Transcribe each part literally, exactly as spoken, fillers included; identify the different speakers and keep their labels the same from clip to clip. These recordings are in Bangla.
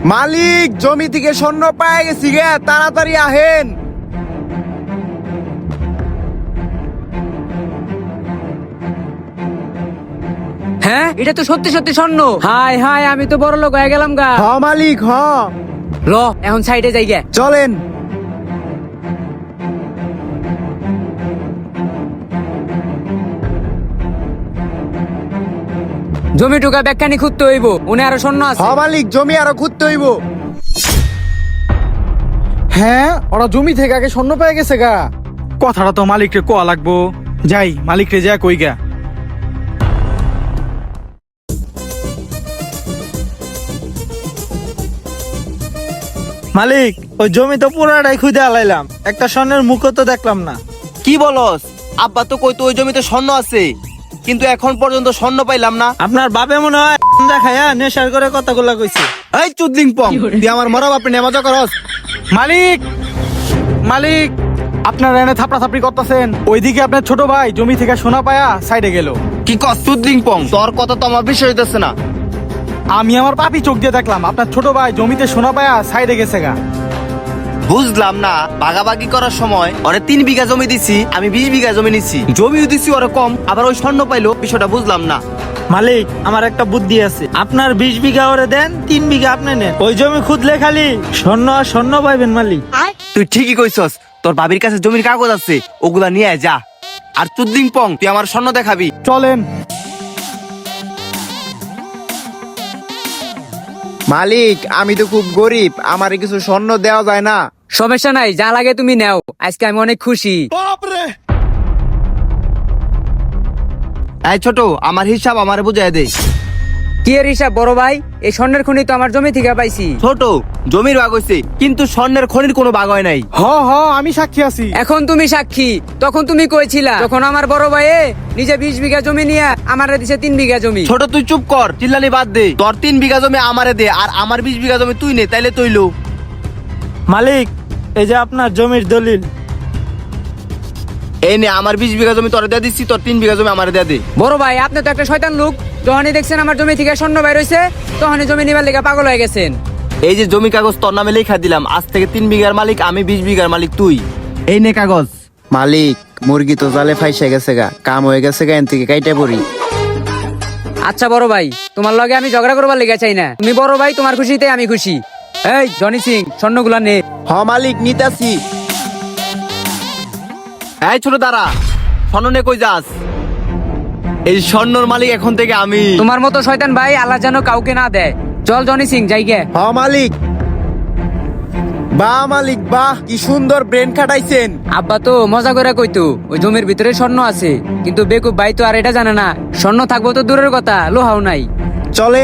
Speaker 1: মালিক জমি থেকে স্বর্ণ পায়ে গেছি গে, তাড়াতাড়ি আহেন।
Speaker 2: হ্যাঁ, এটা তো সত্যি সত্যি স্বর্ণ। হাই হাই, আমি তো বড় লোক হয়ে গেলাম গা।
Speaker 1: হ মালিক হ।
Speaker 2: ল এখন সাইডে যাই গে।
Speaker 1: চলেন।
Speaker 2: জমি টুকা ব্যাখ্যানি খুঁজতে হইব, উনি আরো স্বর্ণ আছে।
Speaker 1: হ মালিক, জমি আরো খুঁজতে হইব।
Speaker 3: হ্যাঁ, ওরা জমি থেকে আগে স্বর্ণ পেয়ে গেছে গা। কথাটা তো মালিকরে কোয়া লাগবো। যাই মালিকরে যা কই গা। মালিক, ওই জমি তো পুরাটাই খুঁজে আলাইলাম, একটা স্বর্ণের মুখও তো দেখলাম না।
Speaker 4: কি বলস? আব্বা তো কইতো ওই জমিতে স্বর্ণ আছে, কিন্তু এখন পর্যন্ত স্বর্ণ পাইলাম না।
Speaker 3: আপনার বাপে মনে হয় দেখায়া নেশার করে কথাগুলা কইছে।
Speaker 4: এই চুদলিং পং, তুই আমার মরা বাপে নেমাজা করস?
Speaker 3: মালিক, মালিক, আপনার এনে থাপড়া থাপড়ি করতেছেন। ওইদিকে আপনার ছোট ভাই জমি থেকে সোনা পায়া সাইডে গেল।
Speaker 4: কি কস চুদলিং পং? তোর কথা তো আমার বিষয় হইতেছে না।
Speaker 3: আমি আমার পাপি চোখ দিয়ে দেখলাম আপনার ছোট ভাই জমিতে সোনা পায়া সাইডে গেছে গা।
Speaker 4: বুঝলাম না, ভাগাভাগি করার সময় ওরে তিন বিঘা জমি দিছি, আমি বিশ বিঘা জমি নিছি। জমিও দিছি ওরে কম, আবার ওই স্বর্ণ পাইলো, বিষয়টা বুঝলাম না।
Speaker 3: মালিক, আমার একটা বুদ্ধি আছে। আপনার বিশ বিঘা ওরে দেন, তিন বিঘা আপনি নেন। ওই জমি খুদলে খালি স্বর্ণ আর স্বর্ণ পাইবেন মালিক।
Speaker 4: তুই ঠিকই কইছস, তোর ভাবির কাছে জমির কাগজ আছে, ওগুলা নিয়ে আয় যা। আর চুদলিং পং, তুই আমার স্বর্ণ দেখাবি।
Speaker 3: চলেন।
Speaker 1: মালিক, আমি তো খুব গরিব, আমারে কিছু স্বর্ণ দেওয়া যায় না?
Speaker 2: সমস্যা নাই, যা লাগে তুমি নাও, আজকে আমি অনেক খুশি।
Speaker 4: এই ছোট, আমার হিসাব আমারে বুঝাই দে।
Speaker 2: কি এর হিসাব বড় ভাই? এই স্বর্ণের খনি তো আমার জমি থেকে পাইছি।
Speaker 4: ছোট, জমির ভাগ হইছে, কিন্তু স্বর্ণের খনির কোনো ভাগ হয় নাই।
Speaker 3: হ হ, আমি সাক্ষী আছি।
Speaker 2: এখন তুমি সাক্ষী, তখন তুমি কইছিলা তখন আমার বড় ভাইয়ে নিজে বিশ বিঘা জমি নিয়ে আমারে দিছে তিন বিঘা জমি।
Speaker 4: ছোট তুই চুপ কর, চিল্লানি বাদ দে। তোর তিন বিঘা জমি আমারে দে, আর আমার বিশ বিঘা জমি তুই নে, তাইলে তৈলো।
Speaker 3: মালিক, এই যে আপনার জমির দলিল।
Speaker 4: এই নে, আমার বিশ বিঘা জমি তোরে দিয়ে দিচ্ছি, তোর তিন বিঘা জমি আমারে দিয়ে দে।
Speaker 2: বড় ভাই, আপনি তো একটা শয়তান লোক। যখনই দেখছেন আমার জমি থেকে স্বর্ণ বাইর হইছে, তখনই জমি নিবার লেগে পাগল হয়ে গেছেন।
Speaker 4: এই যে জমি কাগজ তোর নামে লেখা দিলাম, আজ থেকে তিন বিঘার মালিক আমি, বিশ বিঘার মালিক তুই। এই নে কাগজ।
Speaker 1: মালিক, মুরগি তো জালে ফাইসা গেছে গা, কাম হয়ে গেছে গা, এন থেকে কাইটা পড়ি।
Speaker 2: আচ্ছা বড় ভাই, তোমার লগে আমি ঝগড়া করবার লেগে চাই না। তুমি বড় ভাই, তোমার খুশিতে আমি খুশি। এই জনি সিং, স্বর্ণগুলা নে।
Speaker 1: হ মালিক, নিতাছি।
Speaker 4: এই ছোট দাঁড়া, স্বর্ণ নে কই যাস? এই স্বর্ণর মালিক এখন থেকে আমি।
Speaker 2: তোমার মতো শয়তান ভাই আল্লাহ যেন কাউকে না দেয়। চল জনি সিং, যাই গে।
Speaker 1: হ মালিক। বাহ মালিক বাহ, কি সুন্দর ব্রেন খাটাইছেন।
Speaker 2: আব্বা তো মজা করে কইতো ওই জমির ভিতরে স্বর্ণ আছে, কিন্তু বেকুব ভাই তো আর এটা জানে না, স্বর্ণ থাকবো তো দূরের কথা, লোহাও নাই।
Speaker 1: চলেন।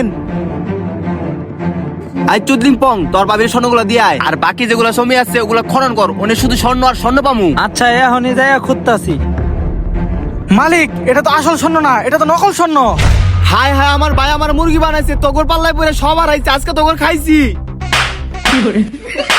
Speaker 4: আই চুদলিং পং, তোর বাবির স্বর্ণগুলা দিয়ে আয়, আর বাকি যেগুলা জমি আছে ওগুলা খনন কর, ওনে শুধু স্বর্ণ আর স্বর্ণ পামু।
Speaker 3: আচ্ছা, এখনই যাই খুঁজতাছি। মালিক, এটা তো আসল স্বর্ণ না, এটা তো নকল স্বর্ণ।
Speaker 4: হায় হায়, আমার ভাই আমার মুরগি বানাইছে, তগর পাল্লায় পরে সবার আইছে, আজকে তগর খাইছি।